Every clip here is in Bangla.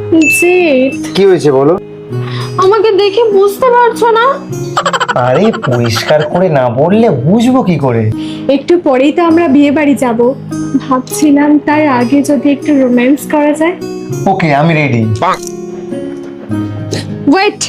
জিৎ, কি হয়েছে বলো? আমাকে দেখে বুঝতে পারছো না? আরে পরিষ্কার করে না বললে বুঝবো কি করে? একটু পরেই তো আমরা বিয়ে বাড়ি যাব, ভাবছিলাম তার আগে যদি একটু রোম্যান্স করা যায়। ওকে, আমি রেডি। ওয়েট,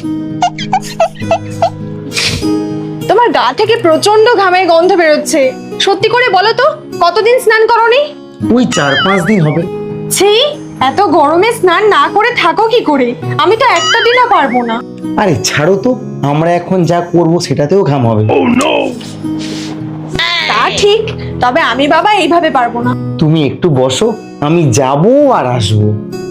তোমার গা থেকে প্রচন্ড ঘামের গন্ধ বেরোচ্ছে। সত্যি করে বলো তো, কতদিন স্নান করোনি? ওই 4-5 দিন হবে। ছি, এত গরমে স্নান না করে থাকো কি করে? আমি তো একটা দিনও পারবো না। আরে ছাড়ো তো, আমরা এখন যা করব সেটাতেও ঘাম হবে। তা ঠিক, তবে আমি বাবা এইভাবে পারবো না। তুমি একটু বসো, আমি যাব আর আসবো।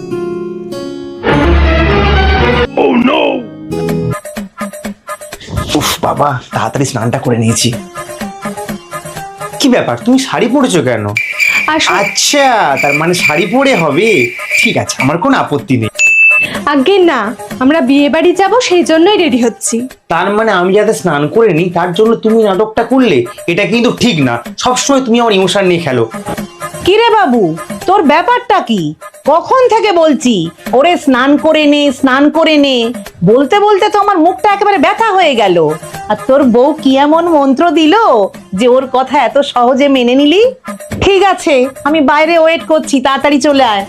উফ বাবা, তাড়াতাড়ি স্নানটা করে নিয়েছি। কি ব্যাপার, তুমি শাড়ি পরেছো কেন? আচ্ছা, তার মানে শাড়ি পরে হবে। ঠিক আছে, আমার কোনো আপত্তি নেই। আগে না, আমরা বিয়ে বাড়ি যাবো সেই জন্যই রেডি হচ্ছি। তার মানে আমি যাতে স্নান করে নিই তার জন্য তুমি নাটকটা করলে? এটা কিন্তু ঠিক না। সবসময় তুমি আমার ইমোশন নিয়ে খেলো। কিরে বাবু, তোর ব্যাপারটা কি? কখন থেকে বলছি ওরে স্নান করে নে, স্নান করে নে। বলতে বলতে তো আমার মুখটা একেবারে ব্যথা হয়ে গেল। আর তোর বউ কি এমন মন্ত্র দিল যে ওর কথা এত সহজে মেনে নিলি? ঠিক আছে, আমি বাইরে ওয়েট করছি, তাড়াতাড়ি চলে আয়।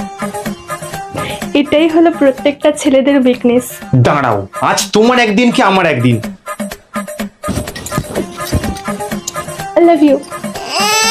এটাই হলো প্রত্যেকটা ছেলেদের উইকনেস। দাঁড়াও, আজ তোমার একদিন কি আমার একদিন? I love you.